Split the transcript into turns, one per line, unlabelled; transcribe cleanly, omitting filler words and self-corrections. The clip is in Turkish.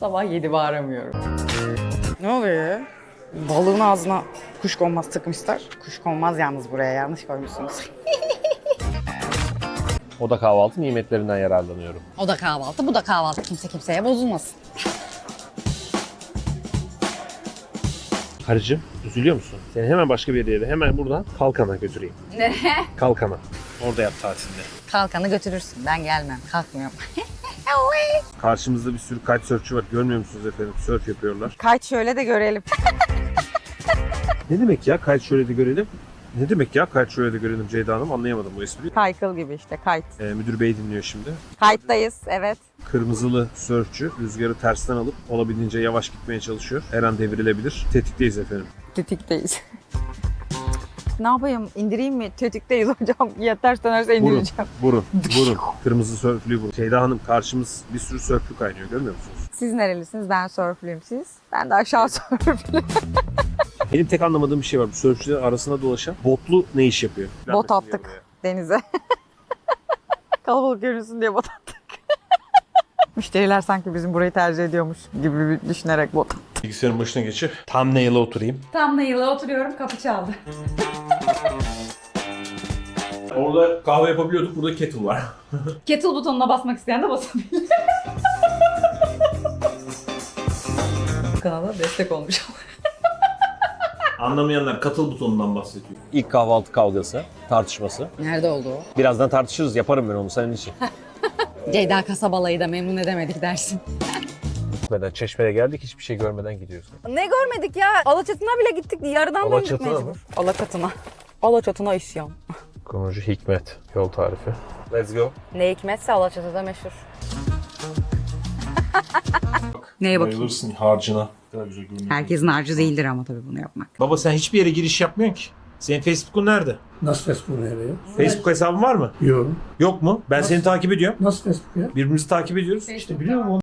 Sabah 7 bağıramıyorum.
Ne oluyor ya? Balığın ağzına kuşkonmaz tıkmışlar. Kuşkonmaz yalnız buraya yanlış koymuşsunuz.
O da kahvaltı nimetlerinden yararlanıyorum.
O da kahvaltı, bu da kahvaltı. Kimse kimseye bozulmasın.
Karıcığım üzülüyor musun? Seni hemen başka bir yere, hemen buradan Kalkan'a götüreyim.
Nereye?
Kalkan'a. Orada yap tatilini.
Kalkanı götürürsün. Ben gelmem. Kalkmıyorum.
Karşımızda bir sürü kitesurfçu var. Görmüyor musunuz efendim? Surf yapıyorlar.
Kaç şöyle de görelim.
Ne demek ya kite şöyle de görelim? Ne demek ya kite şöyle de görelim Ceyda Hanım? Anlayamadım bu espriyi.
Kaykıl gibi işte kayıt.
Müdür bey dinliyor şimdi.
Kayıttayız evet.
Kırmızılı sörfçü rüzgarı tersten alıp olabildiğince yavaş gitmeye çalışıyor. Her an devrilebilir. Tetikteyiz efendim.
Tetikteyiz. Ne yapayım? İndireyim mi? Tetikteyiz hocam. Ya ters dönerse
Vurun,
indireceğim.
vurun. Kırmızı sörflüyü vurun. Ceyda Hanım karşımız bir sürü sörflü kaynıyor görmüyor musunuz?
Siz nerelisiniz? Ben sörflüyüm siz. Ben de aşağı sörflü.
Benim tek anlamadığım bir şey var. Bu sörfçülerin arasında dolaşan botlu ne iş yapıyor?
Bot attık denize. Kalabalık görünsün diye bot attık. Müşteriler sanki bizim burayı tercih ediyormuş gibi düşünerek bot attık.
Bilgisayarın başına geçip thumbnail'a oturayım.
Thumbnail'a oturuyorum, kapı çaldı.
Orada kahve yapabiliyorduk. Burada kettle var.
Kettle butonuna basmak isteyen de basabilir. Kanala destek olmuş.
Anlamayanlar katıl butonundan bahsediyor. İlk kahvaltı kavgası, tartışması.
Nerede oldu o?
Birazdan tartışırız. Yaparım ben onu senin için.
Ceyda kasabalayı da memnun edemedik dersin.
Gitmeden Çeşme'ye geldik. Hiçbir şey görmeden gidiyorsun.
Ne görmedik ya? Alaçatı'na bile gittik. Yarıdan döndük
Alaçatı'na
mecbur.
mı?
Alaçatı'na. Alaçatı'na isyan.
Konucu Hikmet. Yol tarifi. Let's go.
Ne hikmetse Alaçatı'da meşhur. Neye bakayım?
Bayılırsın harcına. Ne kadar güzel görünüyor.
Herkesin harcı değildir ama tabii bunu yapmak.
Baba sen hiçbir yere giriş yapmıyorsun ki. Senin Facebook'un nerede?
Nasıl Facebook nereye?
Facebook hesabın var mı?
Yok.
Yok mu? Ben seni takip ediyorum.
Nasıl Facebook ya?
Birbirimizi takip ediyoruz.
İşte biliyor musun?